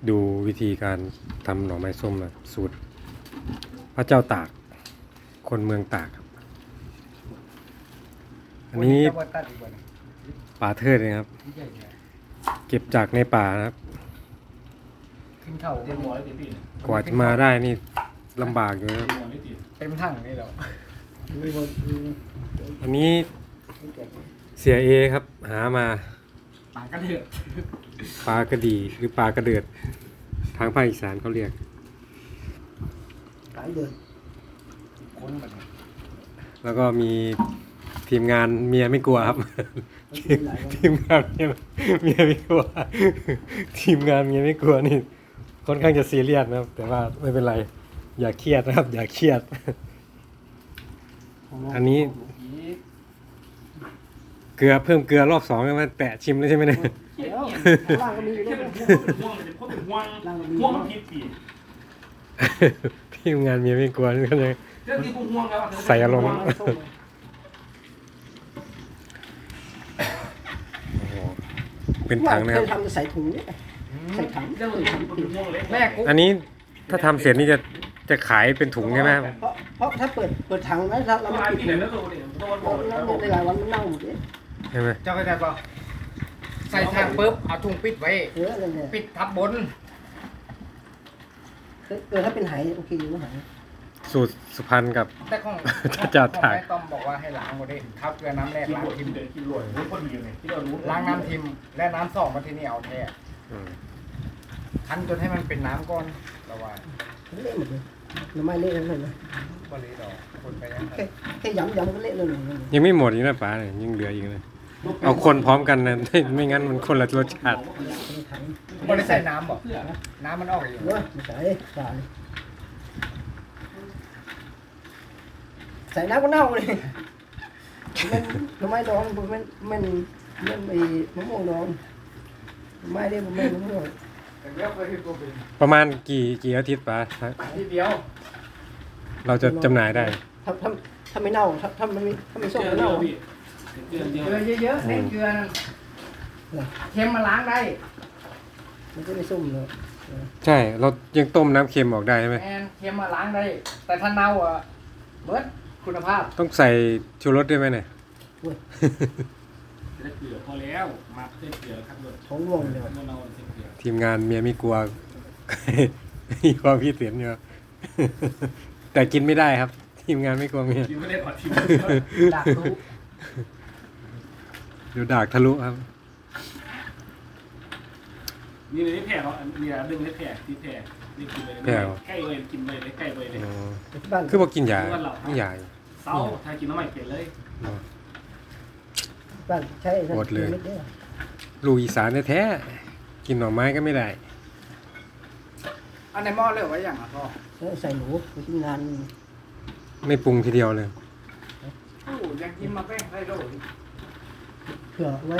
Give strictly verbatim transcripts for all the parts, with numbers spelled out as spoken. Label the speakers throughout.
Speaker 1: ดูวิธีการทำหน่อไม้ส้มนะสูตรพระเจ้าตากคนเมืองตากครับอันนี้ป่าเทิดนะครับเก็บจากในป่านะครับกว่าจะมาได้นี่ลำบากอยู่นะครับ
Speaker 2: เต็มถังนี่หรอ
Speaker 1: อันนี้เสียเอครับหามา
Speaker 2: ปากกระเดือก
Speaker 1: ปลากระดีหรือปลากระเดือดทางภาคอีสานเขาเรียก
Speaker 3: หลายเดือน
Speaker 2: คนแบบ
Speaker 1: แล้วก็มีทีมงานเมียไม่กลัวครับ ทีมงานเมียเมียไม่กลัว ทีมงานเมียไม่กลัวนี่ค่อนข้างจะซีเรียสนะครับ แต่ว่าไม่เป็นไรอย่าเครียดนะครับ อย่าเครียด อันนี้เกลือเพิ่มเกลือรอบสองใช่ไหมแตะชิมแล้วใช่ไหมเนี่ย
Speaker 3: แล้วล่างก็มีอยู่
Speaker 4: แค่
Speaker 3: ด้วย
Speaker 4: เป็นห่วงเลยเพราะเป็นห่วงห่วงมันผิดผิด
Speaker 1: ทีมงานเมียไม่กลัวนี่ก็เลย
Speaker 4: เรื่องที่กูห่วงแล้ว
Speaker 1: ใส่อารมณ์ โอ้โหเป็นถังนะค
Speaker 3: เค
Speaker 1: รับ
Speaker 3: ยทำใส่ถุงเนี่ยใส่ถัง
Speaker 4: เรื่องที่กูเป็นห่วงเลย
Speaker 2: แม่กู
Speaker 1: อันนี้ถ้าทำเสร็จนี่จะจะขายเป็นถุงใช่ไหมครับ
Speaker 3: เพราะเพราะถ้าเปิดเปิดถังไว้ถ้าเรา
Speaker 4: เรา
Speaker 3: ไม่
Speaker 4: ไม่
Speaker 3: ปิด
Speaker 4: ผิดเลยแล้วตัวเนี่ยตัวมันโกรธ
Speaker 3: แล้วในหลายวันมันเน่าหมดเลย
Speaker 1: ใช่ไหม
Speaker 2: เจ้าเข้าใจป่ะใส่ถังปุ๊บเอาถุงปิดไว้
Speaker 3: เอออะไรเนี่ย
Speaker 2: ปิดทับบน
Speaker 3: เออถ้าเป็นไหโอเคอยู่ไห
Speaker 1: สูตรสุพรรณกับ
Speaker 2: แต่ของ
Speaker 1: จะถ่าย
Speaker 2: แม่ต้อมบอกว่าให้ล้างหมดเลยทับเกลือน้ำแรก
Speaker 4: กิน
Speaker 2: ล้าง
Speaker 4: รวย
Speaker 2: ทิ
Speaker 4: กิ
Speaker 2: ม
Speaker 4: นเด็ดกินรวยรู้คนดีเลยที่เรารู้
Speaker 2: ล้างน้ำทิมและน้ำสองมาที่นี่เอาแท้
Speaker 1: อืม
Speaker 2: คั้นจนให้มันเป็นน้ำก้อนระว่า
Speaker 3: เละหมดเลยหน่อไม้เละทั้งนั้นเลย
Speaker 2: บริดอกคนไปยัง
Speaker 3: แค่แค่ย้ำย้ำก็เละเลยหนึ่ง
Speaker 1: ยังไม่หมดอีกนะป๋าเนี่ยยังเหลืออีกเลยเอาคนพร้อมกันนะ ไม่งั้นมันคนละรสชาติ
Speaker 3: ถัง
Speaker 2: บริใส่น้ำบอกน้ำมันออกอยู่
Speaker 3: เนาะไม่ใส่ใส่ใส่น้ำก็เน่าเลยมันหน่อไม้ดองมันมันมันมันไอ้มะม่วงดองไม่ได้มันไม่มะม่วง
Speaker 2: แต่เลือกไปที่ตัวเป็น
Speaker 1: ประมาณกี่กี่อาทิตย์ป๋า
Speaker 2: ทีเดียว
Speaker 1: เราจะจำหน่ายได้
Speaker 3: ถ้าถ้าถ้าไม่เน่าถ้าถ้ามันไม่ถ้าไม่ส้ม
Speaker 4: เดือน
Speaker 3: ไม่
Speaker 4: เดีย
Speaker 3: เน่าว
Speaker 4: พี่เดือนเดียว
Speaker 2: เกลือเยอะๆเน้นเกลือนั่นเค็มมาล้างได้
Speaker 3: มันจะไม่ส้มเลย
Speaker 1: ใช่ เรายังต้มน้ำเค็มออกได้ใช่ไหม
Speaker 2: แอนเค็มมาล้างได้ แต่ถ้าเน่าอ่ะเบิดคุณภาพ
Speaker 1: ต้องใส่ชูรสด้วยไหมเนี่ย
Speaker 4: ได้เกลือพอแล้วมาเส้นเกลือครับเลย
Speaker 3: ท้องร่วงเลย
Speaker 4: เมื่อเราเส้นเกลือ
Speaker 1: ทีมงานเมียไม่กลัว มีความพิเศษอยู่ แต่กินไม่ได้ครับ ทีมงานไม่กลัวเมีย
Speaker 4: กินไม่ได้ขอชิม
Speaker 2: ดักรู้
Speaker 1: เดี๋ยวดากทะลุครับ
Speaker 4: นี่เลยแผลเรามีอะไรดึงได้แผลที่แผลนี่กินเลยใกล้เลยกินเลยใกล้เลยเลย
Speaker 1: อ๋อ
Speaker 3: ที่บ้าน
Speaker 1: คือบอกกินยาไม่ยา
Speaker 4: เศร้าถ้ากินน้ำใหม่เปลี่ยนเลย
Speaker 3: บ้านใช่
Speaker 1: หมดเลย
Speaker 3: ม็นี่
Speaker 1: ลูกอีสานแท้ๆกินหน่อไม้ก็ไม่ได้
Speaker 2: อันในหม้อเลือกไว้อย่างอ่ะพ่อ
Speaker 3: ใส่หนูไปที่งาน
Speaker 1: ไม่ปรุงทีเดียวเลย
Speaker 2: โอ้ยังกินมาแป้งไส้โลด
Speaker 3: เผื่อไว้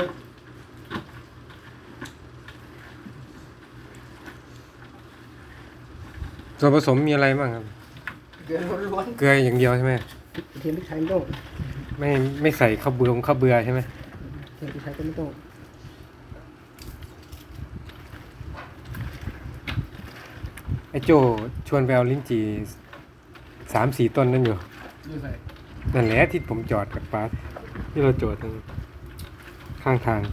Speaker 1: ส่วนผสมมีอะไรบ้างครับ
Speaker 2: เกลือล้วน
Speaker 1: เกลืออย่างเดียวใช่ไหม
Speaker 3: เทียมพริกไทยไม่ต้อง
Speaker 1: ไม่ไม่ใส่ข้าวเบือข้าวเบือใช่ไหม
Speaker 3: เทียมพริกไทยก็ไม่ต้อง
Speaker 1: ไอ้โจชวนไปเอาลิ้นจี่สามสี่ต้นนั่นอยู่
Speaker 2: ๆดูใส่
Speaker 1: นั่นแหละที่ผมจอดกับป้าที่เราจอดตรงข้างทาง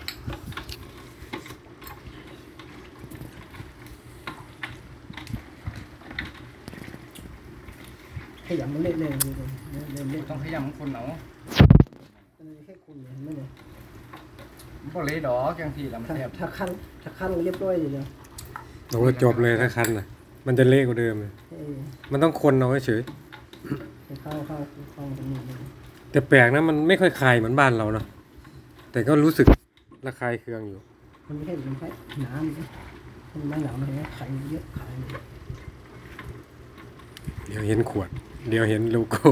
Speaker 3: ขยำมันเละเลยเลยเลยเลย
Speaker 2: ต้องขยำคนเหนา
Speaker 3: แค่คุณเห็นไหมเนี่ย
Speaker 2: บ่เลยดอกจังทีลำ
Speaker 3: ถ้า
Speaker 2: แทบ
Speaker 3: ถ้าขั้นถ้าขั้นเรียบร้อยเลยเนาะ
Speaker 1: โอ้จบเลยถ้าคันน่ะ มันจะเละกว่าเดิมเลย
Speaker 3: เออ
Speaker 1: มันต้องคนเอาเฉย
Speaker 3: เข้าเข้าเข้าตรงนี้เลย
Speaker 1: แต่แปลกนะมันไม่ค่อยคายเหมือนบ้านเราเนาะแต่ก็รู้สึกระคายเคืองอยู่
Speaker 3: มันไม่ใช่มันแค่น้ำมันไม่หนาวมันไข่เยอะไข่
Speaker 1: เดี๋ยวเห็นขวด เดี๋ยวเห็นโลโก้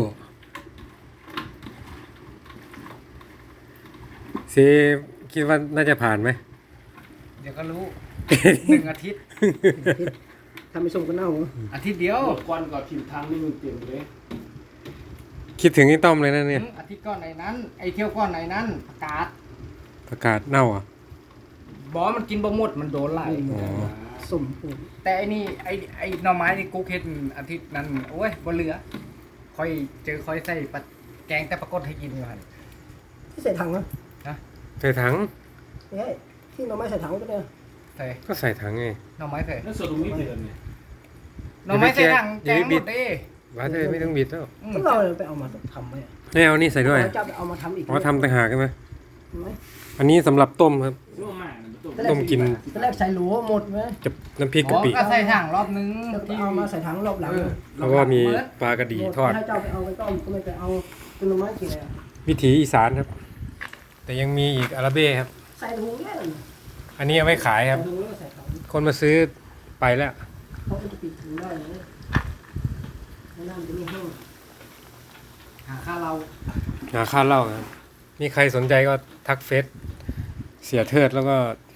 Speaker 1: เซคิดว่าน่าจะผ่านไหม
Speaker 2: เดี๋ยวก็รู้หนึ่งอาทิตย์
Speaker 3: ถ้าไม่ส้มก็เน่า
Speaker 2: อาทิตย์เดียว
Speaker 4: ควันก่อนถิ่นทางนี่มันเต็มเลย
Speaker 1: คิดถึงไอ้ต้อมเลยนะเนี่ย
Speaker 2: อาทิตย์ก้อนไหนนั้น ไอเที่ยวก้อนไหนนั้นประกาศ
Speaker 1: ประกาศเน่าอ่ะ
Speaker 2: บอกว่ามันกินบ่หมดมันโดนไล่
Speaker 1: อ๋อ
Speaker 3: สมปูน
Speaker 2: แต่ไอ้นี่ไอ้ไอ้หน่อไม้นี่กูเฮ็ดอาทิตย์นั้นโอ้ยบ่เหลือค่อยเจอค่อยใส่ปลาแกงแต่ปรากฏให้กินอยู่หั่น
Speaker 3: ที่ใส่ถังนะ
Speaker 1: ใส่ถัง
Speaker 3: ไม่ใช่ที่เราไม่ใส่ถังก็ได้
Speaker 2: ใส่
Speaker 1: ก็ใส่ถังไง
Speaker 2: หน่อไม้ใส่
Speaker 4: แล้วส่วนตรงนี้เดือนเนี่ย
Speaker 2: หน่อไม้ใส่ถังแกงหมดเด้
Speaker 1: ว่าเธอไม่ต้องบิดแล้ว
Speaker 2: อืม
Speaker 3: ก็เราไปเอามาทำไว้อะ
Speaker 1: ไม่เอานี่ใส่ด้วย
Speaker 3: เราจะไปเอามาทำอีก
Speaker 1: อ๋อทำต่างหากใช่ไหม
Speaker 3: ใช่ไหม
Speaker 1: อันนี้สำหรับต้มครับ
Speaker 4: ร่วมมากนะตุ้ม
Speaker 1: ต้มกิน
Speaker 3: ตอนแรกใส่หลัวหมดไหม
Speaker 1: จะน้ำพริก
Speaker 2: อ๋
Speaker 1: กะ
Speaker 2: อ
Speaker 1: ปิ
Speaker 2: ก็ใส่ถังรอบนึง
Speaker 3: แล้วก็เอามาใส่ถังรอบหลัง
Speaker 2: เออ
Speaker 1: แล้วก็มีปลากระดีทอด
Speaker 3: ให้เจ้าไปเอาไปต้มก็ไม่ไปเอาเป็นหน่อไม้กินเลยอะ
Speaker 1: วิถีอีสานครับ แต่ยังมีอีกอาราเบ้ครับ
Speaker 3: ใส่ถุงเนี่ย
Speaker 1: อันนี้เอาไว้ขายครับ
Speaker 3: ใส่ถุงแล้วก็ใส่ถัง
Speaker 1: คนมาซื้อไปแล้ว
Speaker 3: เพราะมันจะปิดถุงได้เลยแล้วน้ำจะไม่แห้ง
Speaker 2: หาข้าวเรา
Speaker 1: หาค่าเหล้าครับมีใครสนใจก็ทักเฟซเสียเทิดแล้วก็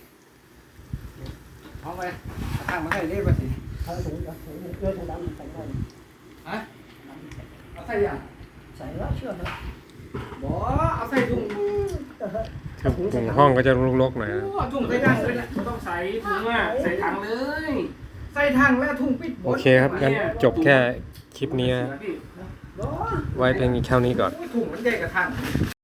Speaker 2: เอาไปเอาถังมาใส่เรียบร้อยสิ
Speaker 3: เอาถุงเอาถุงเลือดถุงดำใส่ได้
Speaker 2: ฮะเอาใส่ยัง
Speaker 3: ใส่แล้วเชื่อนะ
Speaker 2: บ่เอาใส่ถุง
Speaker 1: ถุงห้องก็จะรกๆหน่อยครับ
Speaker 2: โอ้ถุงใส่ถังเลยนะ
Speaker 4: ไม่ต้องใส่ถุงอ่ะใส่ถังเลย
Speaker 2: ใส่ถังแล้วถุงปิดหม
Speaker 1: โอ
Speaker 2: ด
Speaker 1: เคครับงั้นจบแค่คลิปนี้นะ
Speaker 2: บ่
Speaker 1: ไว้เพียงแค่นี้ก่อน
Speaker 2: ถุงมันใหญ่กว่าถัง